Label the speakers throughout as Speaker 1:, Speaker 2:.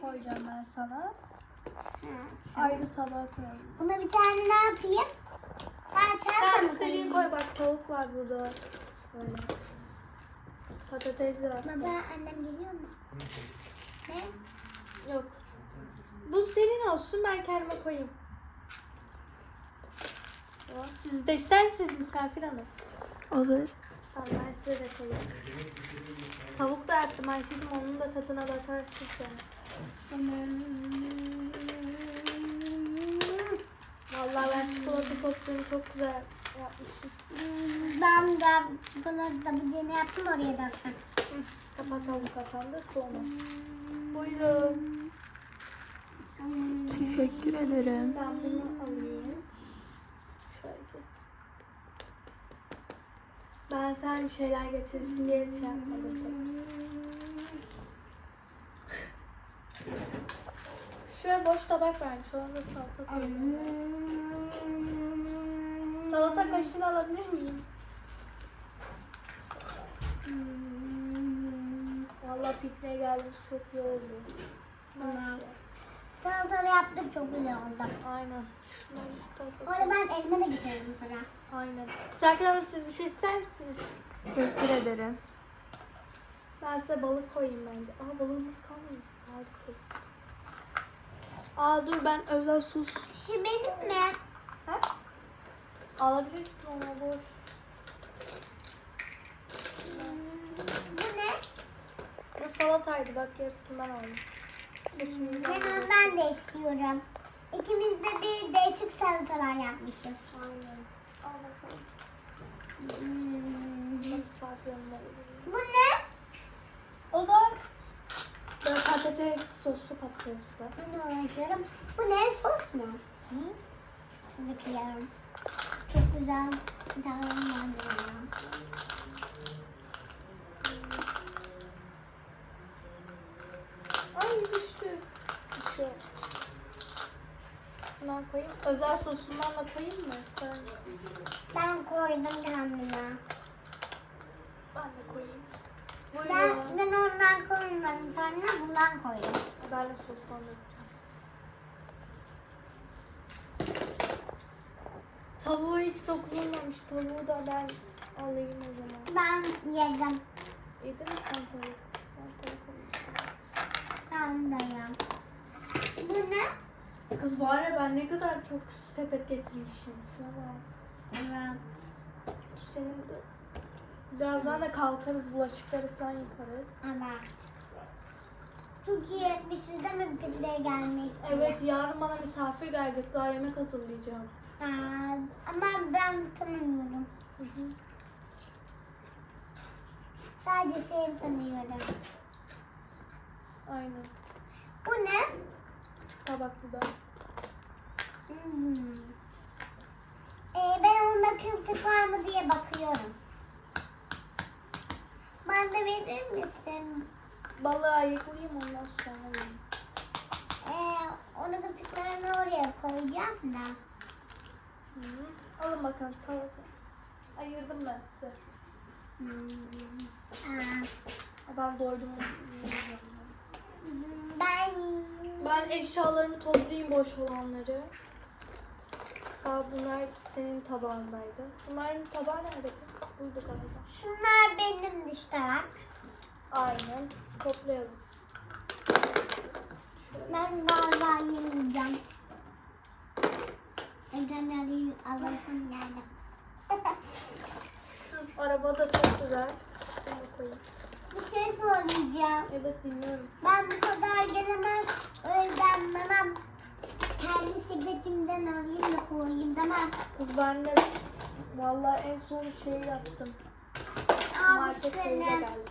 Speaker 1: koyacağım ben sana. Ayrı tabağa koyalım.
Speaker 2: Buna bir tane ne yapayım?
Speaker 1: Sen istediğin koy, bak tavuk var burada. Böyle. Patates var.
Speaker 2: Baba annem geliyor mu? Ne?
Speaker 1: Yok. Bu senin olsun, ben kendime koyayım. Siz de ister misiniz misafir hanım?
Speaker 3: Olur.
Speaker 1: Tamam, ben size de koyayım. Tavuk da yaptım Ayşe'cim, onun da tadına bakarsın sen. Vallahi ben çikolata toplarını çok güzel yapmışım.
Speaker 2: Ben de çikolata budini yaptım, oraya da attım.
Speaker 1: Kapatalım kafamda sonra. Buyurun.
Speaker 3: Teşekkür ederim.
Speaker 1: Ben bunu alayım. Şöyle kes. Ben sen bir şeyler getirsin diye şey yapmadım. Şöyle boş tabak vermiş. Orada salata koyayım. Salata kaşığını alabilir miyim? Vallahi pikniğe geldik, çok iyi oldu.
Speaker 2: Salatalı yaptık, çok güzel oldu.
Speaker 1: Aynen. Şunları şu tarafa
Speaker 2: Bu arada ben elime de geçirdim sonra.
Speaker 1: Aynen. Misafir hanım, siz bir şey ister misiniz?
Speaker 3: Teşekkür ederim.
Speaker 1: Ben size balık koyayım bence. Aa, balığımız kalmadı. Hadi kız. Aa dur, ben özel sos.
Speaker 2: Şu benim mi?
Speaker 1: Ha? Alabilirsin onu, boş.
Speaker 2: Bu ne?
Speaker 1: Bu salataydı, bak yarısını ben aldım. Sosunu ben
Speaker 2: Ben de istiyorum. İkimiz de bir değişik salatalar yapmışız.
Speaker 1: Aynen. Al bakalım.
Speaker 2: Hmm.
Speaker 1: Misafir hanım alayım.
Speaker 2: Bu ne?
Speaker 1: O da böyle patates, soslu patates bu da.
Speaker 2: Bunu uğraşıyorum. Bu ne? Sos mu?
Speaker 1: Hı?
Speaker 2: Bakıyorum. Çok güzel. Tamam.
Speaker 1: Ay düştü. Düştü. Şundan koyayım. Özel sosundan da koyayım mı? İster misin?
Speaker 2: Ben koydum kendime.
Speaker 1: Ben de koyayım.
Speaker 2: Ben
Speaker 1: Buyurun.
Speaker 2: ondan koymadım. Sonra bundan koydum.
Speaker 1: Ben de sostan da koyayım. Tavuğu hiç dokunulmamış. Tavuğu da ben alayım o zaman.
Speaker 2: Ben yedim.
Speaker 1: Yedin mi sen tavuk? Ben tavuk alayım.
Speaker 2: Ben de yedim. Bu ne?
Speaker 1: Kız var ya, ben ne kadar çok sepet getirmişim. Şuna bak.
Speaker 2: Evet.
Speaker 1: Senin de. Birazdan da kalkarız, bulaşıkları falan yıkarız.
Speaker 2: Evet. Çok iyi etmişiz değil mi pikniğe gelmek?
Speaker 1: Evet, yarın bana misafir gelecek. Daha yemek hazırlayacağım.
Speaker 2: Ama ben tanımıyorum. Sadece seni tanıyorum.
Speaker 1: Aynen.
Speaker 2: Bu ne?
Speaker 1: Küçük tabaklı da.
Speaker 2: Ben onda kılçık var mı diye bakıyorum. Bana da verir misin?
Speaker 1: Balığı ayıklayayım, ondan sonra yiyeyim.
Speaker 2: Onun kılçıklarını oraya koyacağım da.
Speaker 1: Alın bakalım salata. Ayırdım ben size. Ben doydum.
Speaker 2: Ben
Speaker 1: Ben eşyalarımı toplayayım, boş olanları. Sağ, bunlar senin tabağındaydı. Bunların tabağı nerede kız? Buydu galiba.
Speaker 2: şunlar benim dişler.
Speaker 1: Aynen. Toplayalım.
Speaker 2: Ben galiba yemeyeceğim. Evden alayım, alasım geldi.
Speaker 1: Şu araba da çok güzel. Şunu koyayım.
Speaker 2: Bir şey söyleyeceğim.
Speaker 1: Evet, dinliyorum.
Speaker 2: Ben bu kadar gelemem. O yüzden bana kendi sepetimden alayım da koyayım, tamam.
Speaker 1: Kız, ben de vallahi en son şeyi yaptım.
Speaker 2: Al
Speaker 1: Market şeyine
Speaker 2: seni.
Speaker 1: geldim.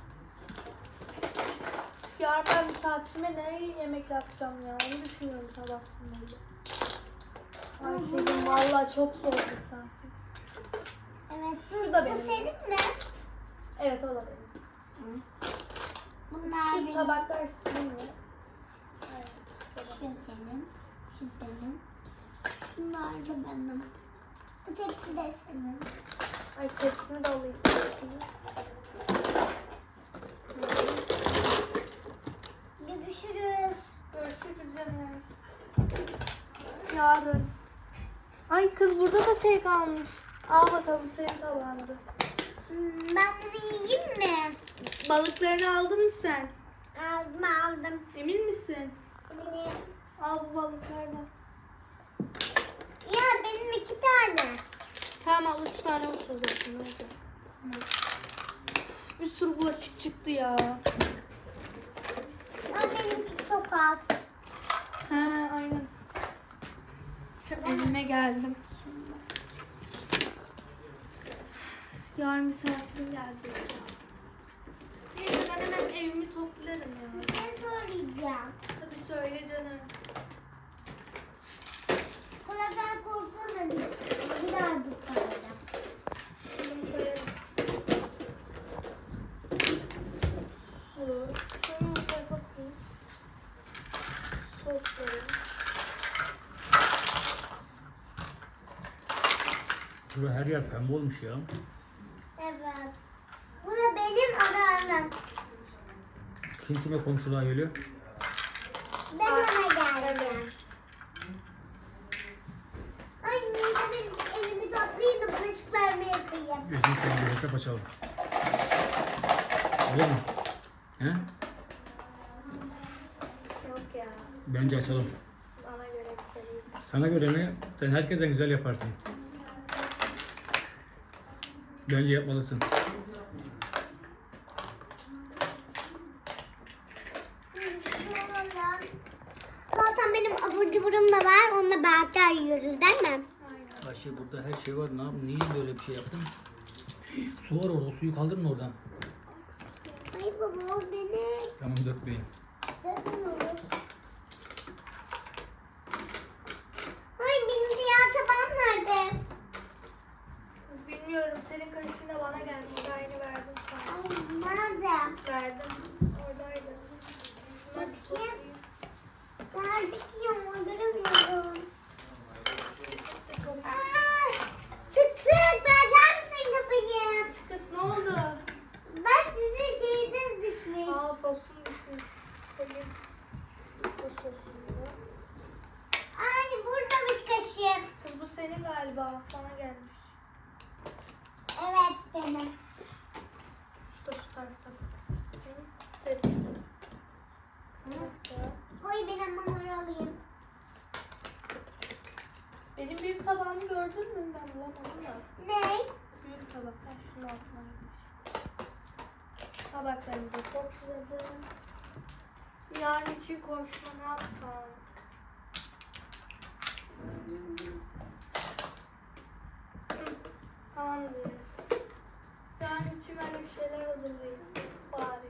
Speaker 1: Yarın ben misafirime ne yemek yapacağım ya? Onu düşünüyorum sabahtan beri. Ayşe'cim vallahi çok zor misafir.
Speaker 2: Evet.
Speaker 1: Şu da benim.
Speaker 2: Bu senin mi?
Speaker 1: Evet, o da benim.
Speaker 2: Bunlar
Speaker 1: Şu
Speaker 2: benim.
Speaker 1: tabaklar sizin mi? Evet.
Speaker 2: Şu senin. Şu senin. Şunlar da benim. Bu tepsi de senin.
Speaker 1: Ay, tepsimi de alayım.
Speaker 2: Görüşürüz.
Speaker 1: Yarın. Ay kız burada da şey kalmış. Al bakalım senin tabağında.
Speaker 2: Ben bunu yiyeyim mi?
Speaker 1: Balıklarını aldın mı sen?
Speaker 2: Aldım.
Speaker 1: Emin misin?
Speaker 2: Eminim.
Speaker 1: Al bu balıklardan.
Speaker 2: Ya benim 2 tane.
Speaker 1: Tamam al 3 tane olsun zaten. Hadi. Bir sürü bulaşık çıktı ya.
Speaker 2: Ya benimki çok az.
Speaker 1: He aynen. Şu evime geldim. Yarın misafirim gelecek. Neyse ben hemen evimi toplarım ya.
Speaker 2: Bir şey söyleyeceğim.
Speaker 1: Tabii söyle canım.
Speaker 2: Buradan korksana birazcık kalacak.
Speaker 1: Bunu koyarım. Su. Şunu bu tarafa koyayım. Sos koyayım.
Speaker 4: Burada her yer pembe olmuş ya.
Speaker 2: Evet. Bu da benim aramım.
Speaker 4: Kim kime komşuluğa geliyor?
Speaker 2: Ben ona geldim.
Speaker 1: Evet.
Speaker 2: Ay benim elimi toplayayım da bulaşıklarımı yıkayayım.
Speaker 4: Gözünü seveyim bir hesap açalım. Olur mu? He?
Speaker 1: Yok ya.
Speaker 4: Bence açalım.
Speaker 1: Bana göre bir şey değil.
Speaker 4: Sana göre mi? Sen herkesten güzel yaparsın. Bence yapmalısın.
Speaker 2: Zaten benim abur cuburum da var. Onunla beraber yiyoruz değil mi?
Speaker 1: Aynen.
Speaker 4: Ayşe burada her şey var. Ne yapayım? Niye böyle bir şey yaptın? Su var orada. O suyu kaldırın oradan.
Speaker 2: Ay baba o beni
Speaker 4: Tamam dökmeyin.
Speaker 2: dövüyor. Ay benim diğer tabağım nerede?
Speaker 1: Kız bilmiyorum. Senin kaşığın da bana gelmiş. Aynı verdim sana.
Speaker 2: Ay nerede?
Speaker 1: Verdim. Oradaydı. Bunları bir toplayayım.
Speaker 2: Nerede ki ya? Göremiyorum. Aa, çık çık. Açar mısın kapıyı?
Speaker 1: Çıkıt ne oldu?
Speaker 2: Bak sizin şeyiniz düşmüş.
Speaker 1: Aa sosum düşmüş. Koyayım. Bu sosunu.
Speaker 2: Ay buradamış kaşığım.
Speaker 1: Kız bu senin galiba. Bana gelmiş.
Speaker 2: Evet benim.
Speaker 1: Şu da şu tarafta. Evet.
Speaker 2: Oy ben hamuru alayım.
Speaker 1: Benim büyük tabağımı gördün mü? Ben bulamadım da.
Speaker 2: Ne?
Speaker 1: Büyük tabak. Ben şunun altına girmiş. Tabaklarımı da topladım. Yarın için komşuma ne yapsam? Tamamdır. Yarın için ben bir şeyler hazırlayayım. Bari.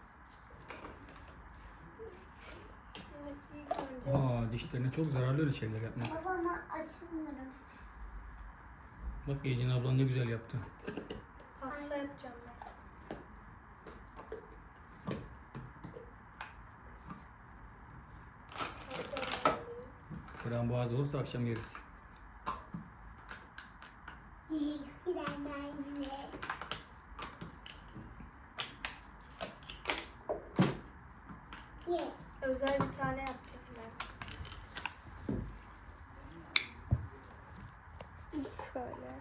Speaker 1: Evet, ilk önce.
Speaker 4: Aa, dişlerine çok zararlı öyle şeyler yapmak.
Speaker 2: Babama açmıyorum.
Speaker 4: Bak Ecin ablan ne güzel yaptı.
Speaker 1: Pasta yapacağım ben.
Speaker 4: Frambuaz olursa akşam yeriz.
Speaker 2: Giden ben yine. Ye.
Speaker 1: Özel bir tane yapacağım ben. Şöyle.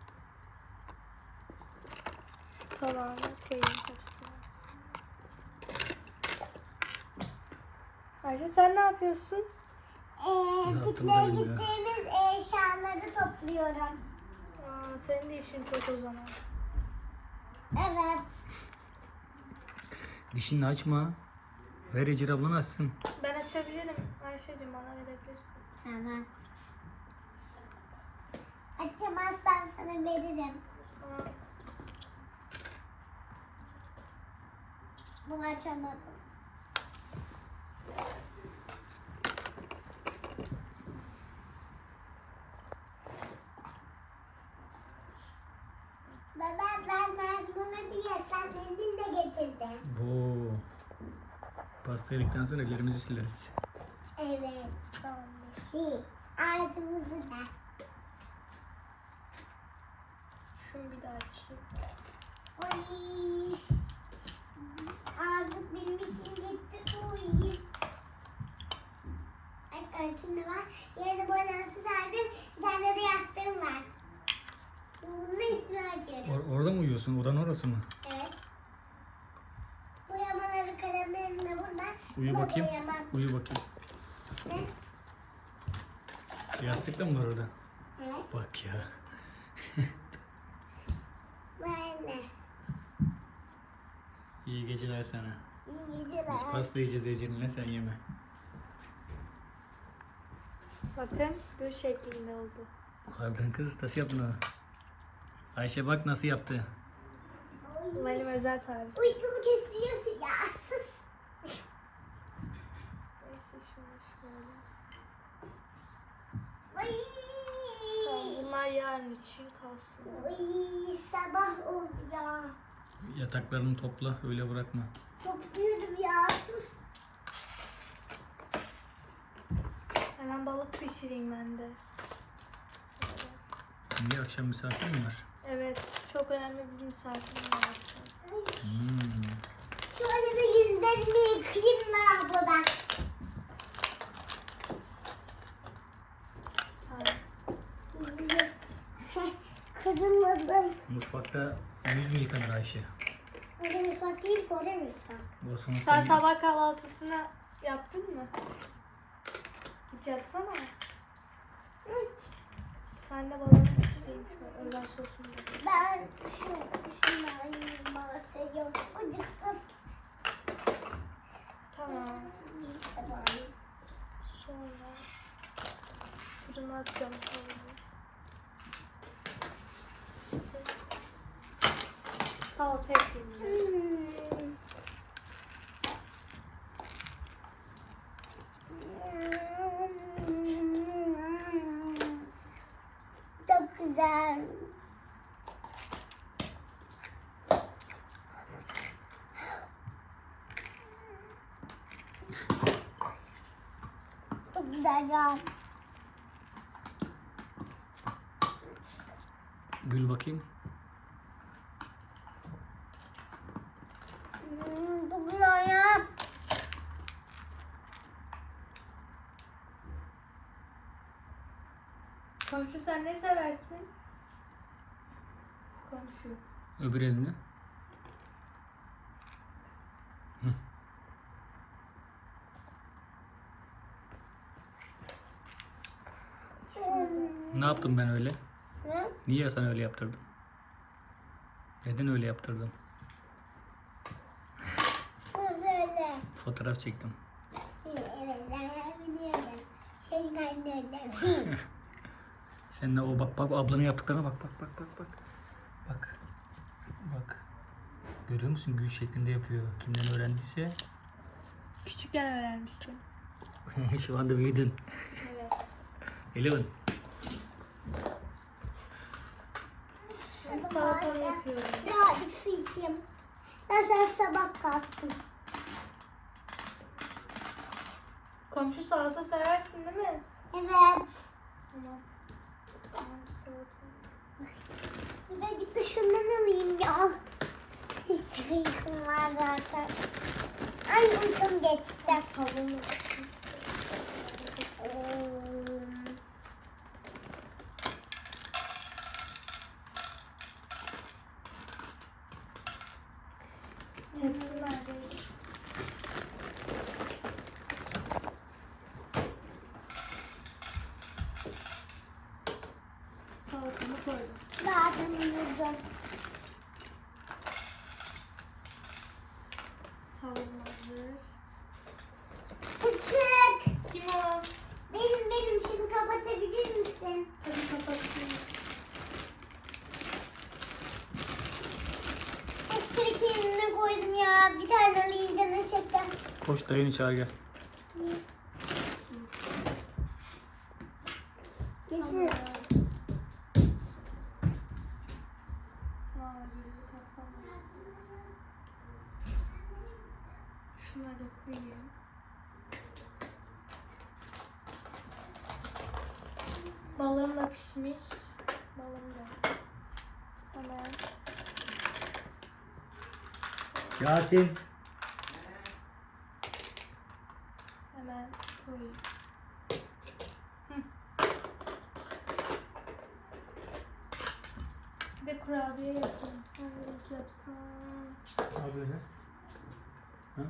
Speaker 1: Şu tabağına koyayım hepsini. Ayşe sen ne yapıyorsun?
Speaker 4: yaptım
Speaker 2: Pikniğe
Speaker 4: ben ya?
Speaker 2: gittiğimiz eşyaları topluyorum.
Speaker 1: Aa, senin de işin çok o zaman.
Speaker 2: Evet.
Speaker 4: Dişini açma. Ver Ecin ablan açsın.
Speaker 1: Ben açabilirim. Ayşe'cim bana verebilirsin.
Speaker 2: Tamam. Açamazsan sana veririm.
Speaker 1: Aa,
Speaker 2: Bunu açamadım. Baba ben lazımları yesem mendil de getirdim.
Speaker 4: Oo. Pasta yedikten sonra ellerimizi sileriz.
Speaker 2: Evet.
Speaker 1: tamamdır.
Speaker 2: Ağzımızı da.
Speaker 1: Şunu bir daha açayım.
Speaker 2: Oy. Artık benim işim bitti. Uyuyayım. tuvaletim de var. Yerine boylarımı serdim. Bir tane de yastığım var. Bunu üstüne atıyorum.
Speaker 4: Orada mı uyuyorsun? Odan orası mı?
Speaker 2: Evet. Boyamaları kalemlerim de burada.
Speaker 4: Uyu
Speaker 2: Bu da
Speaker 4: bakayım.
Speaker 2: boyamam.
Speaker 4: Uyu bakayım.
Speaker 2: Ne?
Speaker 4: Yastık da mı var orada?
Speaker 2: Evet.
Speaker 4: Bak ya.
Speaker 2: Böyle.
Speaker 4: İyi geceler sana.
Speaker 2: İyi geceler.
Speaker 4: Biz pasta yiyeceğiz Ece'ninle, sen yeme.
Speaker 1: Bakın gül şeklinde oldu.
Speaker 4: Harbiden kız nasıl yaptın onu? Ayşe bak nasıl yaptı.
Speaker 1: Benim özel tarif.
Speaker 2: Uykumu kesiyorsun ya. Sus.
Speaker 1: Neyse şunu şöyle.
Speaker 2: Ay.
Speaker 1: Tamam, bunlar yarın için kalsın.
Speaker 2: Ay, sabah oldu ya.
Speaker 4: Yataklarını topla, öyle bırakma.
Speaker 2: Topluyorum ya. Sus.
Speaker 1: Hemen balık pişireyim ben de.
Speaker 4: Niye akşam misafir mi var?
Speaker 1: Evet, çok önemli bir misafirim var.
Speaker 4: Hmm.
Speaker 2: Şöyle bir yüzlerimi yıkayayım lavabodan.
Speaker 1: Bir tane.
Speaker 2: Kırılmadım.
Speaker 4: Mutfakta yüz mü yıkanır Ayşe?
Speaker 2: Öyle müsak değil ki, öyle müsak.
Speaker 4: O sonuçta
Speaker 1: Sen sabah kahvaltısını yaptın mı? Hiç yapsana. Ben de balık pişireyim şöyle özel sosunu.
Speaker 2: Ben şundan bahsediyorum. Acıktım.
Speaker 1: Tamam.
Speaker 2: Bir sabah.
Speaker 1: Sonra fırına atacağım tavuğu. İşte salata ekleyeyim ben.
Speaker 2: Çok güzel. Çok güzel ya.
Speaker 4: gül bakayım.
Speaker 2: Çok güzel ya.
Speaker 1: Komşu sen ne seversin? Komşu.
Speaker 4: Öbür elini. Ne yaptım ben öyle?
Speaker 2: Ne?
Speaker 4: Niye sen öyle yaptırdın? Neden öyle yaptırdın?
Speaker 2: Öyle.
Speaker 4: Fotoğraf çektim.
Speaker 2: Evet, ben biliyorum. Senin annem.
Speaker 4: Seninle o bak ablanın yaptıklarına bak. Bak. Bak. Görüyor musun? Gül şeklinde yapıyor. Kimden öğrendiyse.
Speaker 1: Küçükken öğrenmiştim.
Speaker 4: Şu anda büyüdün.
Speaker 1: Evet.
Speaker 4: Eleven.
Speaker 1: Şimdi salatamı yapıyorum.
Speaker 2: Birazcık su içeyim. Ben sabah kalktım.
Speaker 1: Komşu salata seversin değil mi?
Speaker 2: Evet.
Speaker 1: Tamam. Tamam salata.
Speaker 2: Birazcık da şundan alayım ya. Hiç uykum var zaten. Ay uykum geçti.
Speaker 1: Tavuğumu. Tepsi neredeydi? Salatamı koydum.
Speaker 2: Zaten uyudum.
Speaker 1: Tavuğum hazır.
Speaker 2: Sıkık.
Speaker 1: Kim o?
Speaker 2: Benim şunu kapatabilir misin?
Speaker 1: Hadi kapatayım.
Speaker 2: Ekmek yerine koydum ya. Bir tane alayım canım çekti.
Speaker 4: Koş dayını çağır gel.
Speaker 2: Yeşil.
Speaker 1: Aa, bir pastam var. Şunları da koyayım. Balığım da pişmiş. Balığım da. Hemen.
Speaker 4: Yasin.
Speaker 1: Hemen koyayım. de kurabiye yapayım. Hangi yapsam?
Speaker 4: Al böyle. Ha?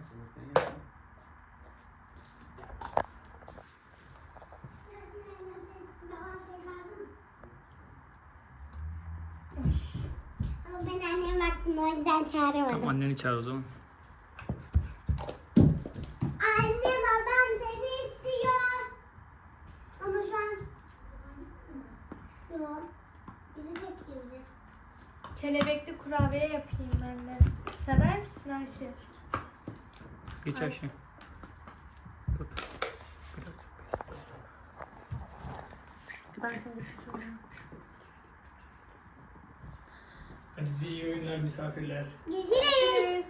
Speaker 2: Ama ben anneme baktım o yüzden çağıramadım.
Speaker 4: Tamam anneni çağır o zaman.
Speaker 2: Anne babam seni istiyor. Ama şu an... Yok. Gidecek gibi.
Speaker 1: Kelebekli kurabiye yapayım ben de. Sever misin Ayşe?
Speaker 4: Geç Ayşe. Tut. Biraz.
Speaker 3: Ben sana bir şey söyleyeyim.
Speaker 4: Hadi size iyi oyunlar misafirler.
Speaker 2: Görüşürüz.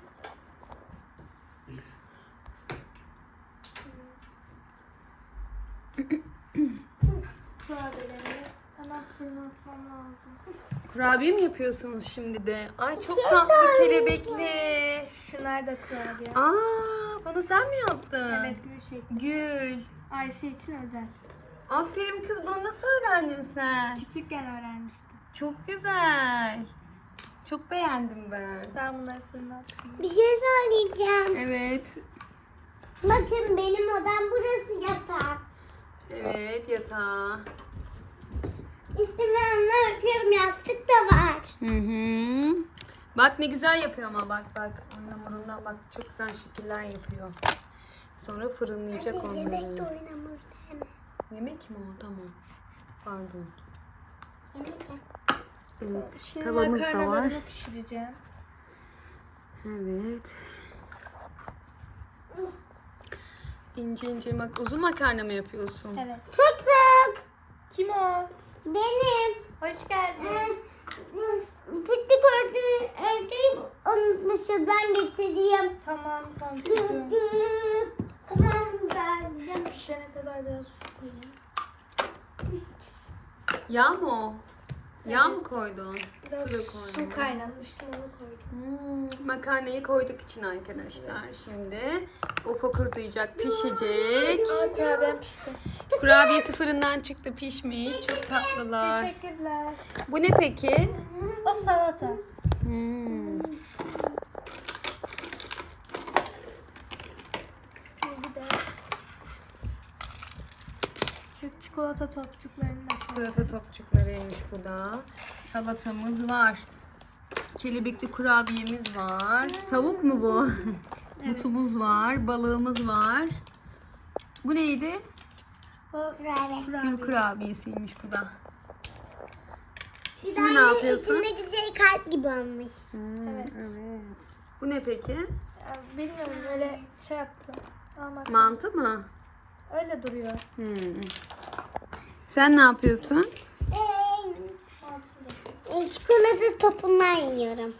Speaker 1: Kurabiyeleri hemen fırına atmam lazım.
Speaker 3: Kurabiye mi yapıyorsunuz şimdi de? Ay çok
Speaker 2: şey
Speaker 3: tatlı
Speaker 2: söyleyeyim.
Speaker 3: kelebekli.
Speaker 1: Şunlar da kurabiye.
Speaker 3: Aa, bunu sen mi yaptın?
Speaker 1: Evet, gül şekli.
Speaker 3: Gül.
Speaker 1: Ayşe için özel.
Speaker 3: Aferin kız, bunu nasıl öğrendin sen?
Speaker 1: Küçükken öğrenmiştim.
Speaker 3: Çok güzel. Çok beğendim ben.
Speaker 1: Ben bunları fırına atayım.
Speaker 2: Bir şey söyleyeceğim.
Speaker 3: Evet.
Speaker 2: Bakın benim odam burası yatak.
Speaker 3: Evet, yatağı.
Speaker 2: İstemeyenler örtüyorum, yastık da var.
Speaker 3: Hı hı. Bak ne güzel yapıyor ama bak. Oyun hamurundan bak çok güzel şekiller yapıyor. Sonra fırınlayacak
Speaker 2: Hadi
Speaker 3: onları.
Speaker 2: yemek de oynamır.
Speaker 3: Yemek mi o? Tamam. Pardon.
Speaker 2: Yemek de.
Speaker 3: Evet.
Speaker 1: Şimdi
Speaker 3: Tavamız da var.
Speaker 1: makarnalarımı pişireceğim.
Speaker 3: Evet. İnce ince uzun makarna mı yapıyorsun?
Speaker 1: Evet.
Speaker 2: Tık.
Speaker 1: Kim o?
Speaker 2: Benim.
Speaker 1: Hoş geldin.
Speaker 2: Pütlük örtüyü unutmuşuz. Ben getireyim.
Speaker 1: Tamam çocuğum.
Speaker 2: Tamam verdim.
Speaker 1: Pişene kadar biraz su koyayım.
Speaker 3: Yağ mı o? Yağ mı koydun?
Speaker 1: Biraz
Speaker 3: Su da koydum.
Speaker 1: su kaynamıştım, onu koydum.
Speaker 3: Makarnayı koyduk için arkadaşlar. Şimdi o fokurdayacak, pişecek.
Speaker 1: Aa, kurabiyem pişti.
Speaker 3: Kurabiyesi fırından çıktı, pişmiş. Çok tatlılar.
Speaker 1: Teşekkürler.
Speaker 3: Bu ne peki?
Speaker 1: O salata. Bir de küçük çikolata topçuklarını da koy.
Speaker 3: Çikolata topçuklarıymış bu da. Salatamız var. Kelebekli kurabiyemiz var. Tavuk mu bu? Butumuz var. Balığımız var. Bu neydi?
Speaker 1: O
Speaker 2: Kurabiye.
Speaker 3: Gül kurabiyesiymiş bu da.
Speaker 2: Bir
Speaker 3: Şimdi ne
Speaker 2: tane
Speaker 3: yapıyorsun?
Speaker 2: İçindeki şey kalp gibi olmuş.
Speaker 1: Evet.
Speaker 3: Evet. Bu ne peki?
Speaker 1: Ya, bilmiyorum, öyle şey yaptım. Ama
Speaker 3: Mantı mı?
Speaker 1: öyle duruyor.
Speaker 3: Sen ne yapıyorsun?
Speaker 1: Mantım da.
Speaker 2: Çikolata topundan yiyorum.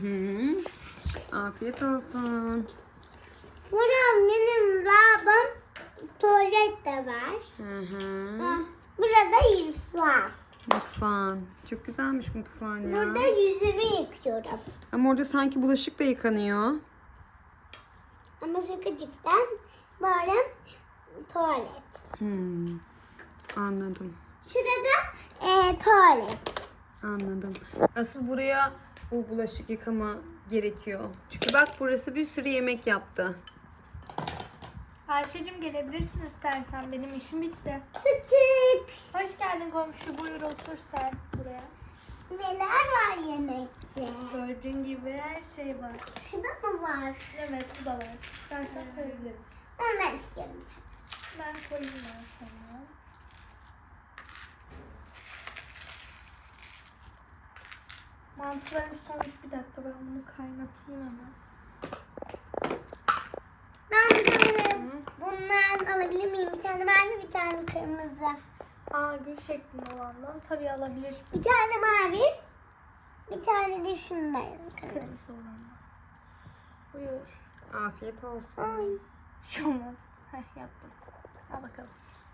Speaker 3: Afiyet olsun.
Speaker 2: Burada benim lavabom, tuvalet de var. Burada yüz var.
Speaker 3: Mutfağın. Çok güzelmiş mutfağın ya.
Speaker 2: Burada yüzümü yıkıyorum.
Speaker 3: Ama orada sanki bulaşık da yıkanıyor.
Speaker 2: Ama şakacıktan böyle tuvalet.
Speaker 3: Anladım.
Speaker 2: Şurada tuvalet.
Speaker 3: Anladım. Asıl buraya o bulaşık yıkama gerekiyor. Çünkü bak burası bir sürü yemek yaptı.
Speaker 1: Ayşe'cim gelebilirsin istersen. Benim işim bitti.
Speaker 2: Tık.
Speaker 1: Hoş geldin komşu. Buyur otur sen buraya.
Speaker 2: Neler var yemekte?
Speaker 1: Gördüğün gibi her şey var.
Speaker 2: Şurada mı var?
Speaker 1: Evet, bu da var. İstersen koyabilirim.
Speaker 2: Ondan istiyorum.
Speaker 1: Ben koyayım ben sana. Mantılarım sonuç, bir dakika ben bunu kaynatayım hemen.
Speaker 2: Ben böyle bundan alabilir miyim? Bir tane mavi, bir tane kırmızı.
Speaker 1: Aa, gül şeklinde olandan tabii alabilirsin.
Speaker 2: Bir tane mavi, bir tane de şundan kırmızı.
Speaker 1: Kırmızı olandan. Buyur.
Speaker 3: Afiyet olsun.
Speaker 2: Ay.
Speaker 1: Bir şey olmaz. Heh, yaptım. Al bakalım.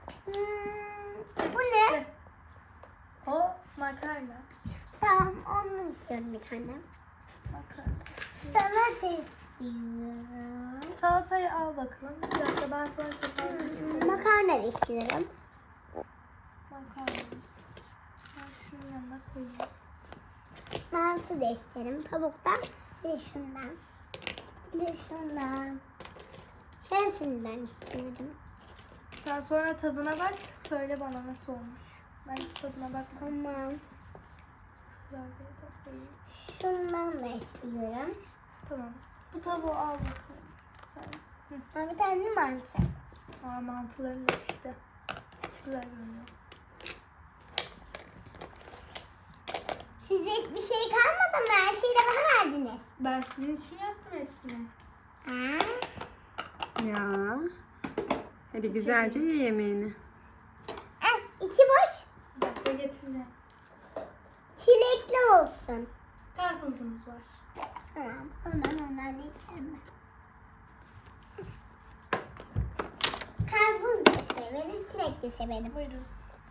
Speaker 2: Bu ne?
Speaker 1: O makarna.
Speaker 2: Tamam, onu istiyorum bir tane.
Speaker 1: Makarna.
Speaker 2: Salata istiyorum.
Speaker 1: Salatayı al bakalım. Bir dakika ben sana çatal kaşık koyayım.
Speaker 2: Makarna da istiyorum.
Speaker 1: Makarna. Ben şunun yanına koyayım.
Speaker 2: mantı da isterim. Tavuktan bir de şundan. Bir de şundan. Hepsinden istiyorum.
Speaker 1: Sen sonra tadına bak. Söyle bana nasıl olmuş. Ben hiç tadına bakmam.
Speaker 2: Tamam.
Speaker 1: Kurabiye de koyayım.
Speaker 2: Şundan da istiyorum.
Speaker 1: Tamam. Bu tavuğu al bakalım. Sen.
Speaker 2: Ha, bir tane mantı.
Speaker 1: Aa, mantıların da işte. Güzel görünüyor.
Speaker 2: Size hiçbir şey kalmadı mı? Her şeyi de bana verdiniz.
Speaker 1: Ben sizin için yaptım hepsini.
Speaker 2: Ha?
Speaker 3: Ya. Hadi güzelce ye yemeğini.
Speaker 2: İçi boş.
Speaker 1: Bir dakika getireceğim.
Speaker 2: Çilekli olsun.
Speaker 1: Karpuzumuz var.
Speaker 2: Tamam. Hemen ondan içerim ben. Karpuz da severim, çilek de severim.
Speaker 1: Buyurun.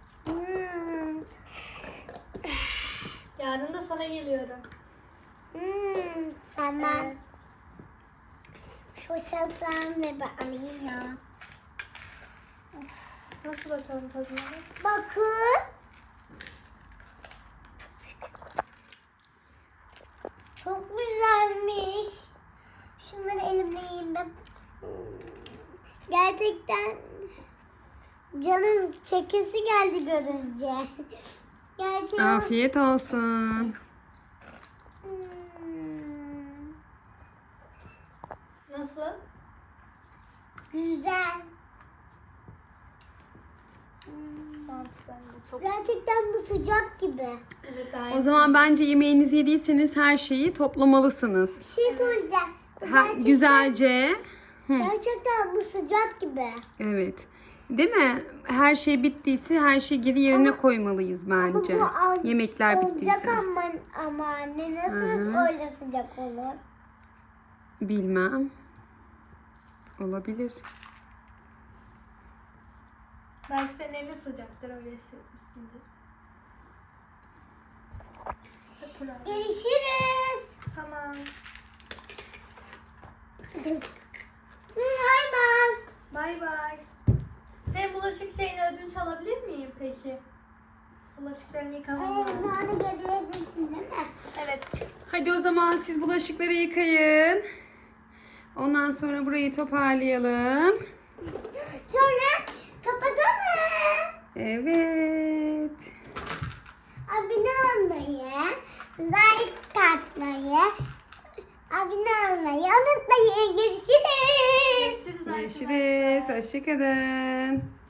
Speaker 2: Hmm.
Speaker 1: Yarın da sana geliyorum.
Speaker 2: Tamam.
Speaker 1: Evet.
Speaker 2: Şu salatalarımı da ben alayım ya.
Speaker 1: Nasıl bakalım tadına?
Speaker 2: Bakın. Çok güzelmiş. Şunları elimle yiyeyim ben. Gerçekten canım çekesi geldi görünce. Gerçekten.
Speaker 3: Afiyet olsun.
Speaker 1: Nasıl?
Speaker 2: Güzel.
Speaker 1: Mantıdan da çok.
Speaker 2: Gerçekten bu sıcak gibi.
Speaker 1: Evet, daha
Speaker 3: O zaman bence yemeğinizi yediyseniz her şeyi toplamalısınız.
Speaker 2: Bir şey söyleyeceğim. Bu
Speaker 3: Ha, güzelce.
Speaker 2: Gerçekten bu sıcak gibi.
Speaker 3: Evet. Değil mi? Her şey bittiyse her şeyi geri yerine koymalıyız bence. Yemekler
Speaker 2: Olacak
Speaker 3: bittiyse.
Speaker 2: ama anne nasıl öyle sıcak olur?
Speaker 3: Bilmem. Olabilir.
Speaker 1: Belki senin elin sıcaktır, öyle hissetmişsindir. Kurabiye.
Speaker 2: Görüşürüz.
Speaker 1: Tamam.
Speaker 2: Hayır.
Speaker 1: Bay bay. Senin bulaşık şeyini ödünç alabilir miyim peki? Bulaşıklarını yıkamam lazım.
Speaker 2: Bana gelebilirsin değil mi?
Speaker 1: Evet.
Speaker 3: Hadi o zaman siz bulaşıkları yıkayın. Ondan sonra burayı toparlayalım.
Speaker 2: Sonra kapatalım.
Speaker 3: Evet.
Speaker 2: Abone olmayı, like atmayı, abone olmayı unutmayın. Görüşürüz.
Speaker 1: Görüşürüz arkadaşlar.
Speaker 3: Görüşürüz. Hoşçakalın.